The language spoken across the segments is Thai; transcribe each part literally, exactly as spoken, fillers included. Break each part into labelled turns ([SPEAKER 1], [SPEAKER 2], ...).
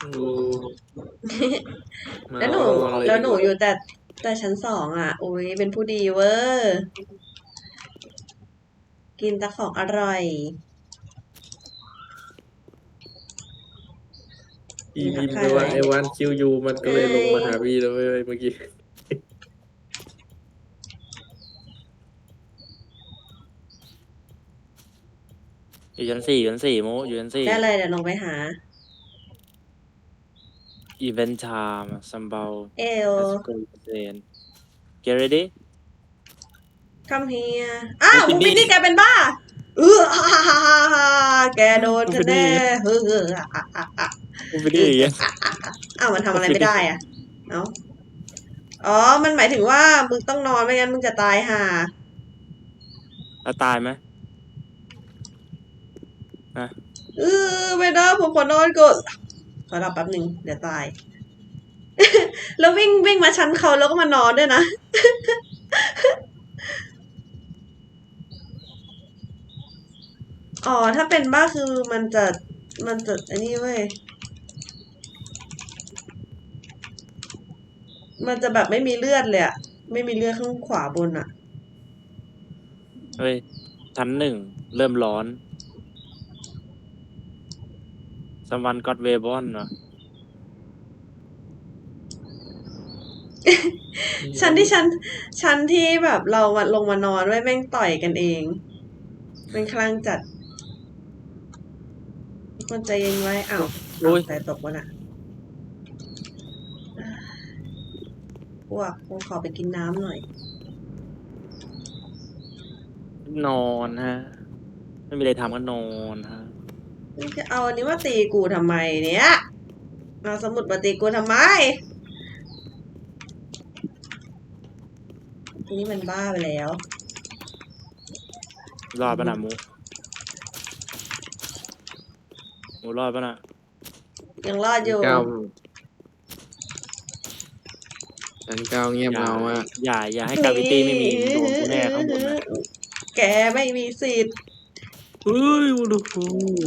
[SPEAKER 1] ดูมา
[SPEAKER 2] แล้วหนู
[SPEAKER 1] เอาระวังเลย
[SPEAKER 2] แล้ว
[SPEAKER 1] ดีกว่า
[SPEAKER 2] หนูอยู่แต่แต่ชั้นสองอ่ะโอ้ยเป็นผู้ดีเวอร์กินแต่ของอร่อย
[SPEAKER 1] พี่
[SPEAKER 2] มีทั
[SPEAKER 1] พิมพ์ไปว่า
[SPEAKER 2] กทายไหม
[SPEAKER 1] ไอวันคิวยูมันก็
[SPEAKER 2] ไอ
[SPEAKER 1] เลยลงมาหาพี่แล้วเว้ยเมื่อกี้
[SPEAKER 3] อยู่ชั้นสี่ชั้นสี่โมอยู่ชั้นสี่
[SPEAKER 2] ได้เลยเดี๋ยวลงไปหา
[SPEAKER 3] event time ซัมเบา
[SPEAKER 2] เอล
[SPEAKER 3] let's go then get ready
[SPEAKER 2] คัมเฮียอ้าว
[SPEAKER 3] มู
[SPEAKER 2] มู
[SPEAKER 3] ฟิ
[SPEAKER 2] ฟิน
[SPEAKER 3] นี่
[SPEAKER 2] นี่แกเป็นบ้าเออฮ่าฮ่าฮ่าฮ่าแกโดน
[SPEAKER 3] มู
[SPEAKER 2] ฉั
[SPEAKER 3] ฟิ
[SPEAKER 2] นแน่
[SPEAKER 3] นี่
[SPEAKER 2] เฮ้อเฮ้อฮ่าฮ่าฮ่าฮ่า
[SPEAKER 3] มูฟินี่อย่างเงี้ย
[SPEAKER 2] อ้าวมันทำอะไร
[SPEAKER 3] มูฟินี่
[SPEAKER 2] ไม่ได้อ่ะเอ้าอ๋อมันหมายถึงว่ามึงต้องนอนไม่งั้นมึงจะตายห่า
[SPEAKER 3] แล้วตายไหมฮะ
[SPEAKER 2] เออไม่ได้ผมขอนอนก่อนขอหลับแป๊บหนึ่งเดี๋ยวตาย แล้ววิ่งวิ่งมาชั้นเขาแล้วก็มานอนด้วยนะ อ๋อถ้าเป็นบ้าคือมันจะมันจะอันนี้เว้ยมันจะแบบไม่มีเลือดเลยอะไม่มีเลือดข้างขวาบนอะ
[SPEAKER 3] เฮ้ยชั้นหนึ่งเริ่มร้อน someone got w a b o n เหรอ
[SPEAKER 2] ชั้นที่ชั้นชั้นที่แบบเรามาลงมานอนไว้แม่งต่อยกันเองเป็นคลั่งจัดทุกคนใจเย็นไว้อ้าว
[SPEAKER 3] โอ้ย
[SPEAKER 2] แต่ตกวะน่ะพวกกูขอไปกินน้ำหน่อย
[SPEAKER 3] นอนฮะ ไม่มีอะไรทำก็นอนฮะ
[SPEAKER 2] มึงจะเอาอันนี้มาตีกูทำไมเนี่ยเอาสมุดมาตีกูทำไมนี่มันบ้าไปแล้ว
[SPEAKER 3] รอดปะน่ะมูมูรอดปะน่ะ
[SPEAKER 2] ยังรอดอยู่
[SPEAKER 1] เก้าชั้นเก้าเงียบ
[SPEAKER 3] อย่า
[SPEAKER 1] เงามาก
[SPEAKER 3] อย่าอย่าให้กาวิตี้ไม่มีโดนกูแน่ข้างบนนะ
[SPEAKER 2] แกไม่มีสิทธิ์
[SPEAKER 1] เฮ้ยวูดูฟู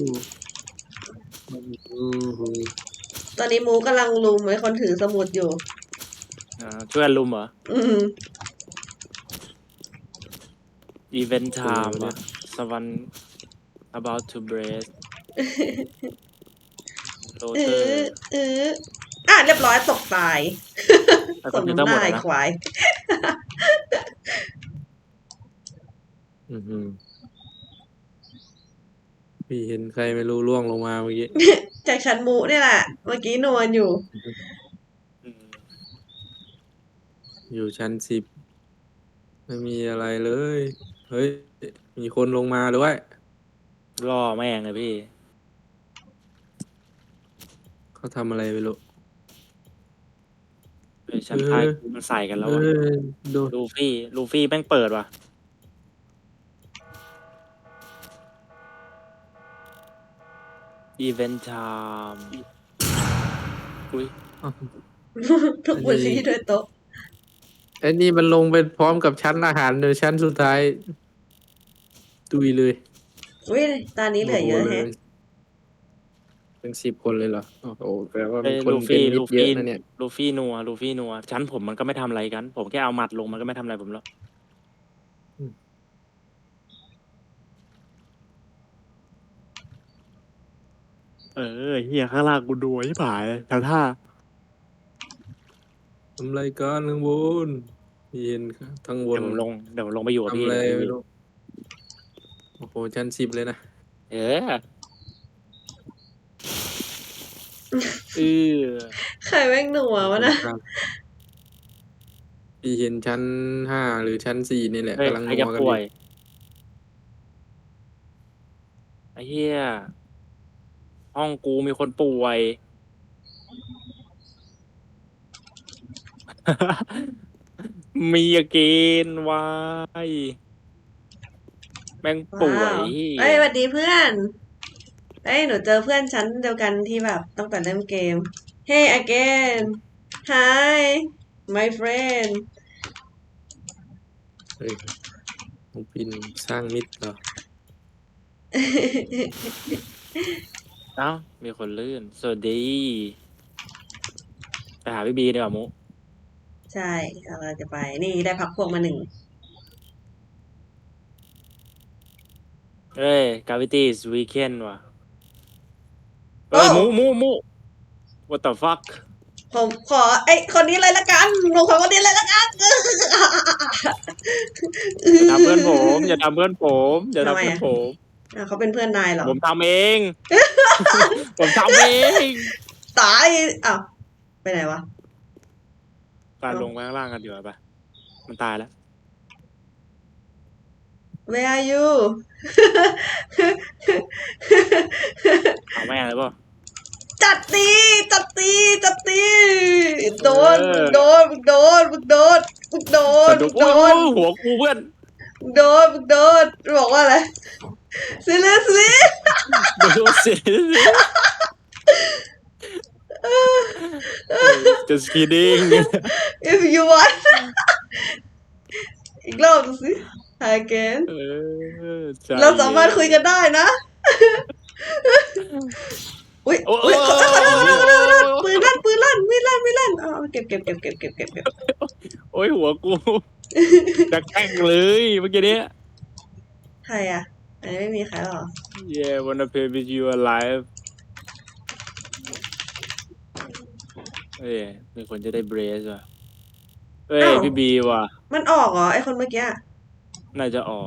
[SPEAKER 2] ตอนนี้มูกำลังลุมไอ้คนถือสมุดอยู่
[SPEAKER 3] อ่าช่วยกันลุมเหรอ
[SPEAKER 2] อืม
[SPEAKER 3] event time อะ someone about to break โร
[SPEAKER 2] เอ
[SPEAKER 3] เตอ
[SPEAKER 2] อ
[SPEAKER 3] ร์
[SPEAKER 2] เอออ่ะเรียบร้อยตกตาย
[SPEAKER 3] แต่
[SPEAKER 2] ค
[SPEAKER 3] คอน มพิวเตอ
[SPEAKER 2] น้ำ
[SPEAKER 3] ร์
[SPEAKER 2] ห
[SPEAKER 3] หมด
[SPEAKER 2] น้า
[SPEAKER 3] อะ
[SPEAKER 2] ไอ้
[SPEAKER 3] นะ
[SPEAKER 2] ควาย
[SPEAKER 1] อื้อหือพี่เห็นใครไม่รู้ล่วงลงมาเมื่อกี้
[SPEAKER 2] จากชั้นมูเนี่ยแหละ เมื่อกี้นวลอยู่
[SPEAKER 3] อืม
[SPEAKER 1] อยู่ชั้นสิบไม่มีอะไรเลย เฮ้ย มีคนลงมาด้วย
[SPEAKER 3] ล่อแม่งเลยพี่
[SPEAKER 1] เขาทำอะไรไม่รู้
[SPEAKER 3] เฮ้ยชั้นใต้กูมันใส่กันแล้ว
[SPEAKER 1] เอ
[SPEAKER 3] อะ
[SPEAKER 1] อดู
[SPEAKER 3] ลูฟี่ลูฟี่แม่งเปิดว่ะ event time อุ้ย
[SPEAKER 2] ทุกวันนี้ด้วยโต๊ะ
[SPEAKER 1] ไอ้นี่มันลงไปพร้อมกับชั้นอาหารเลยชั้นสุดท้ายตุยเลย
[SPEAKER 2] อุ้ยตอนนี้เหลือเยอะแฮะ
[SPEAKER 1] เป็นสิบคนเลยเหรอโอ้โหแปลว่า
[SPEAKER 3] เอ้
[SPEAKER 1] มี
[SPEAKER 3] ย
[SPEAKER 1] คน
[SPEAKER 3] ลู
[SPEAKER 1] เป็น
[SPEAKER 3] ฟี่
[SPEAKER 1] มิต
[SPEAKER 3] ลู
[SPEAKER 1] รเย
[SPEAKER 3] ฟี่
[SPEAKER 1] อะนะเนี่ย
[SPEAKER 3] ลูฟี่นัวลูฟี่นัวชั้นผมมันก็ไม่ทำอะไรกัน ผมแค่เอาหมัดลงมันก็ไม่ทำอะไรผมหรอกเออเฮียข้างล่างกูดูไอ้ผายทางท่า
[SPEAKER 1] ทำไรกันข้างบนเย็นครับทั้งบ
[SPEAKER 3] เดี๋ย
[SPEAKER 1] น
[SPEAKER 3] วผมลงเดี๋ยวผมลงไปอยู่กับ
[SPEAKER 1] ทำ
[SPEAKER 3] พี่
[SPEAKER 1] อะไร
[SPEAKER 3] เดี๋ยว
[SPEAKER 1] ไม่
[SPEAKER 3] พี่
[SPEAKER 1] รู้โอ้โหชั้นสิบเลยนะ
[SPEAKER 3] เออเออ
[SPEAKER 2] ใครแม่งหนัววะนะ
[SPEAKER 1] พี่เห็นชั้นห้าหรือชั้นสี่นี่แหละ
[SPEAKER 3] เฮ้ย
[SPEAKER 1] กำลัง
[SPEAKER 3] ใคร
[SPEAKER 1] นั
[SPEAKER 3] จะ
[SPEAKER 1] วกัน
[SPEAKER 3] ป่
[SPEAKER 1] อ
[SPEAKER 3] วย
[SPEAKER 1] ยู่
[SPEAKER 3] ไอ้เหี้ยห้องกูมีคนป่วย มีอาเกนวายแม่งป่ว
[SPEAKER 2] ว้า
[SPEAKER 3] ยว
[SPEAKER 2] เอ้ยสวัสดีเพื่อน เอ้ยหนูเจอเพื่อนชั้นเดียวกันที่แบบตั้งแต่เริ่มเกม Hey again Hi my friend
[SPEAKER 1] เฮ้ยน้องปินสร้างมิตรเหรอ
[SPEAKER 3] เอ้ามีคนลื่น สวัสดีไปหาพี่บีดีกว่ามุ
[SPEAKER 2] ใช่เราจะไป นี่ได้พักพวกมาหนึ่ง
[SPEAKER 3] เอ้ยกาวิตี้วีเคนว่ะ
[SPEAKER 2] โอ้
[SPEAKER 3] เอ้ยมุมุมุ what the fuck
[SPEAKER 2] ผมขอไอ้คนนี้เลยละกันผมขอคนนี้เลยละกัน
[SPEAKER 3] อย่าทำเพื่อนผมอย่าทำเพื่อนผมอย่า
[SPEAKER 2] ทำ
[SPEAKER 3] ทำ
[SPEAKER 2] ไม
[SPEAKER 3] เพื่อน
[SPEAKER 2] อะ
[SPEAKER 3] ผม
[SPEAKER 2] อ่ะเขาเป็นเพื่อนนายเหรอ
[SPEAKER 3] ผมทำเอง ผมทำเอง
[SPEAKER 2] ตายอ้าวไปไหนวะ
[SPEAKER 3] การลงไปข้างล่างกันดีกว่าปะมันตายแล้ว
[SPEAKER 2] Where are you
[SPEAKER 3] เอาแม่เลยป่ะ
[SPEAKER 2] จัดตีจัดตีจัดตีโดน
[SPEAKER 3] เออ
[SPEAKER 2] โดนมึงโดนมึงโดนมึงโดนมึง
[SPEAKER 3] โด
[SPEAKER 2] โด
[SPEAKER 3] น
[SPEAKER 2] น
[SPEAKER 3] หัวกูเพื่อน
[SPEAKER 2] มึงโดนมึงโดนบอกว่าอะไร seriously
[SPEAKER 3] โดนเสีย just kidding
[SPEAKER 2] if you want อีกรอบดูสิ again
[SPEAKER 3] เออใจ
[SPEAKER 2] เราสามารถคุยกันได้นะ อุ้ย
[SPEAKER 3] โอ้
[SPEAKER 2] อุ้ยขอโทษขอโทษขอโทษขอโทษขอโทษปืน
[SPEAKER 3] โ
[SPEAKER 2] ลั่นปืนลั่นมีดลั่นมีดลั่นเอาเอาเก็บเก็บเก็บเก็บเก็บเก็บเก็บ
[SPEAKER 3] อ้ยหัวกูจะแกล้งเลยเมื่อกี้เนี้ย
[SPEAKER 2] ใครอ่ะอันนี้ไม่มีใครหรอ
[SPEAKER 3] yeah wanna play with you alive เอ้ยมีคนจะได้เบรสว่ะเอ้ย
[SPEAKER 2] อ้าว
[SPEAKER 3] พี่บีว่ะ
[SPEAKER 2] มันออกเหรอไอคนเมื่อกี้อะ
[SPEAKER 3] น่าจะออก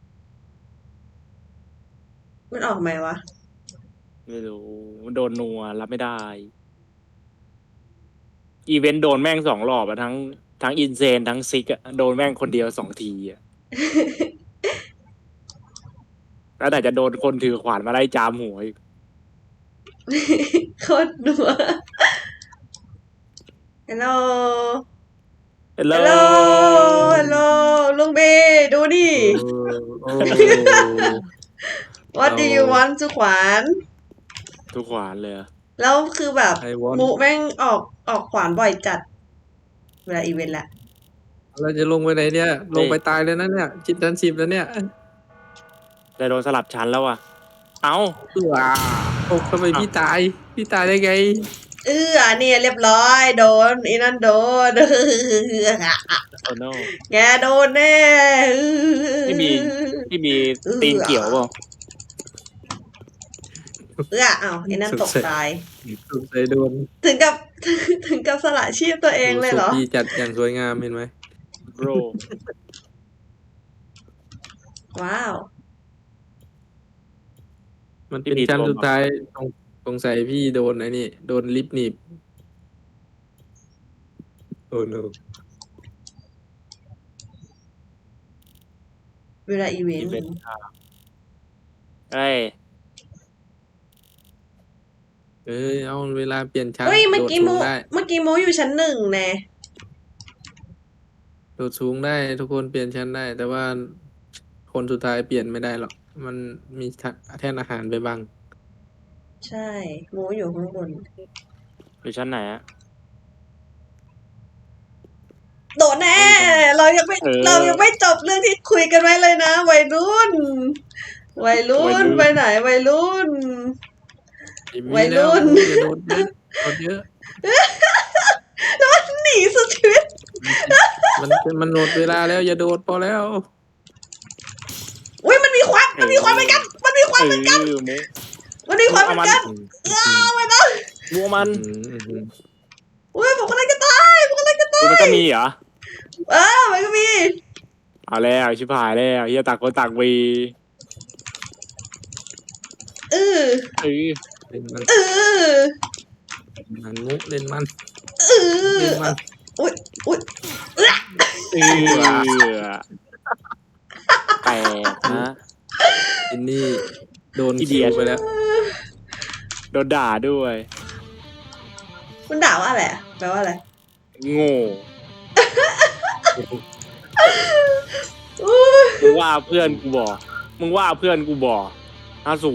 [SPEAKER 2] มันออกไหมวะ
[SPEAKER 3] ไม่รู้มันโดนนัวรับไม่ได้ อีเวนต์โดนแม่งสองรอบอะทั้งทั้งอินเซนทั้งซิกอะโดนแม่งคนเดียวสองทีอะแล้วแต่จะโดนคนถือขวานมาไล่จามหัวอีก
[SPEAKER 2] โคตรหนัว Hello
[SPEAKER 3] เฮลโล
[SPEAKER 2] Hello Hello ลุงเบดูดิ
[SPEAKER 1] โอ้
[SPEAKER 2] What do you want สุขวาน
[SPEAKER 3] ทุกขวานเลยอะ
[SPEAKER 2] แล้วคือแบบ
[SPEAKER 1] ไอวอน
[SPEAKER 2] มุแม่งออกออกขวานบ่อยจัด เวลาอีเวนต์แหละ
[SPEAKER 1] เราจะลงไปไหนเนี่ย ลงไปตายเลยนะเนี่ยจิตดันสิบแล้วเนี่ย
[SPEAKER 3] แต่โดนสลับชั้นแล้วอะเอ้า
[SPEAKER 1] ว้าโอ้ทำไมพี่ตาย พี่ตายได้ไง
[SPEAKER 2] เออเนี่ยเรียบร้อยโดนอีนั่นโดน
[SPEAKER 3] โอ้โน
[SPEAKER 2] แกโดนแน่
[SPEAKER 3] ไม่มี ที่มีตีนเกี่ยวเปล่า
[SPEAKER 2] เอออ้าวไอ้นั่นตกตาย
[SPEAKER 1] ถูกใจโดน
[SPEAKER 2] ถึงกับ ถึงกับสละชีพตัวเองเลยเหรอ
[SPEAKER 1] ศพพี่จัดอย่างสวยงามเห็นไหม
[SPEAKER 3] โบร
[SPEAKER 2] ว้าว
[SPEAKER 1] มันเป็นชั้นสุดท้ายตรงตรงใส่พี่โดนไอ้นี่โดนลิฟต์หนีบโอ้โน
[SPEAKER 2] เวลาอีเว
[SPEAKER 3] อี
[SPEAKER 2] น
[SPEAKER 3] เวน
[SPEAKER 2] ต์
[SPEAKER 3] ต์ค่ะเอ้ย
[SPEAKER 1] เอ้ยเอาเวลาเปลี่ยนชั้น
[SPEAKER 2] เฮ้ยเมื่อกี้
[SPEAKER 1] โด
[SPEAKER 2] มู
[SPEAKER 1] ดสูงได้
[SPEAKER 2] เมื่อกี้มูอยู่ชั้นหนึ่งแน่
[SPEAKER 1] โดดสูงได้ทุกคนเปลี่ยนชั้นได้ แต่ว่าคนสุดท้ายเปลี่ยนไม่ได้หรอกมันมีแท่นอาหารไปบัง
[SPEAKER 2] ใช่มูอยู่ข้างบน
[SPEAKER 3] อยู่ชั้นไหนอะ
[SPEAKER 2] โดดแน่ เรายังไม่
[SPEAKER 3] เออ
[SPEAKER 2] เรายังไม่จบเรื่องที่คุยกันไว้เลยนะวัยรุ่น วัยรุ่
[SPEAKER 3] วัยรุ่
[SPEAKER 2] น
[SPEAKER 3] น
[SPEAKER 2] ไปไหนวัยรุ่น
[SPEAKER 1] ไม่มี
[SPEAKER 2] วัยรุ่น
[SPEAKER 1] แล้วอย่าโดดเยอะโดดเยอะ
[SPEAKER 2] หนีสุดชีวิต
[SPEAKER 1] มันมันหมดเวลาแล้วอย่าโดดพอแล้ว
[SPEAKER 2] อุ้ยมันมีควันมันมีควันเหมือนกัน มันมีควัน
[SPEAKER 3] เอ
[SPEAKER 2] เหมือนกัน
[SPEAKER 3] อมุก
[SPEAKER 2] มันมีควันเหมือนกัน
[SPEAKER 1] อืม
[SPEAKER 2] อ้าวไม่ต้อง
[SPEAKER 3] มัวมัน
[SPEAKER 1] อืมอืมอืม
[SPEAKER 2] อุ้ยผมกำลังจะตายผมกำลังจะตาย
[SPEAKER 3] มันก็มีเหรอ
[SPEAKER 2] เออมันก็มี
[SPEAKER 3] เอาแล้วชิบหายแล้วเฮียตักคนตักวี
[SPEAKER 2] เออ
[SPEAKER 3] เออ
[SPEAKER 1] เล่นมัน
[SPEAKER 2] เออ
[SPEAKER 1] มันมุกเล่นมัน
[SPEAKER 2] เออ
[SPEAKER 1] เล่นมัน
[SPEAKER 2] อุ้ยอุ้ย
[SPEAKER 3] เออแปลกนะ
[SPEAKER 1] อินนี่โดน
[SPEAKER 3] อีเดี
[SPEAKER 1] คิ
[SPEAKER 3] ยว
[SPEAKER 1] ไปแล้ว
[SPEAKER 3] โดนด่าด้วย
[SPEAKER 2] มันด่าว่าอะไรอะแปลว่าอะไร
[SPEAKER 3] โง่
[SPEAKER 2] อุ้ย
[SPEAKER 3] มึงว่าเพื่อนกูบอกมึงว่าเพื่อนกูบอกอาสู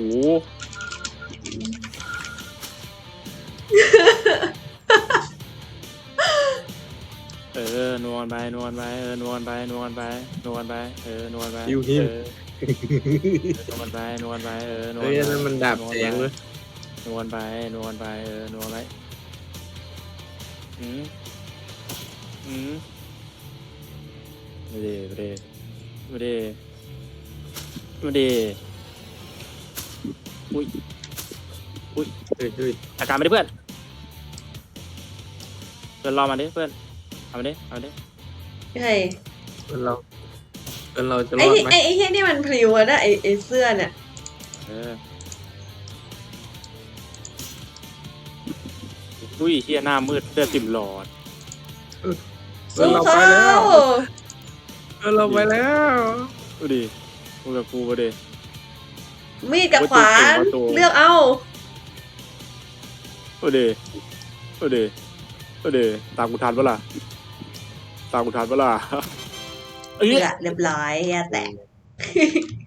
[SPEAKER 3] เออนวลไปนวลไปเออนวลไปนวลไปนวลไปเออนวลไป
[SPEAKER 1] ฮิวฮิว
[SPEAKER 3] เออนวลไปนวลไปเออนวล
[SPEAKER 1] เฮ้ย
[SPEAKER 3] ไป
[SPEAKER 1] อันนั้นมันดาบแสงเลย
[SPEAKER 3] นวลไปนวลไปเออนวลไปอืมอืมไม่ได้ไม่ได้ไม่ได้ไม่ได้อุ้ยอุ้ย
[SPEAKER 1] เฮ้ยเฮ้ย
[SPEAKER 3] อาการไม่ได้เพื่อนเพื่อนรอมาดิเพื่อนเอามาดิเอามาดิ
[SPEAKER 2] เฮ้ย
[SPEAKER 1] เพื่อนเราเพื่อนเราจะร
[SPEAKER 2] ไอ้
[SPEAKER 1] อด
[SPEAKER 2] ที่
[SPEAKER 1] ไหม
[SPEAKER 2] ไอ้ไอ้ที่นี่มันพลิ้วอะนะไอ้ไอ้เสื้อเนี่ย
[SPEAKER 3] เอออุ้ยเฮียหน้ามืดเสื้อติ่มหลอด
[SPEAKER 1] เพื่อน
[SPEAKER 2] สู้
[SPEAKER 1] เรา
[SPEAKER 2] เขา
[SPEAKER 1] ไปแล้วเพื่อนเราไปแล้ว
[SPEAKER 3] ดูดิมึงกับกูมาดิ
[SPEAKER 2] มีดกับขวาน
[SPEAKER 3] ว่าตัว
[SPEAKER 2] เลือกเอา
[SPEAKER 3] ดูดิดูดิดูดิตามกูทันปะล่ะตามกูทันปะล่ะเอ้ย
[SPEAKER 2] เลือกเรียบร้อยแย่แตก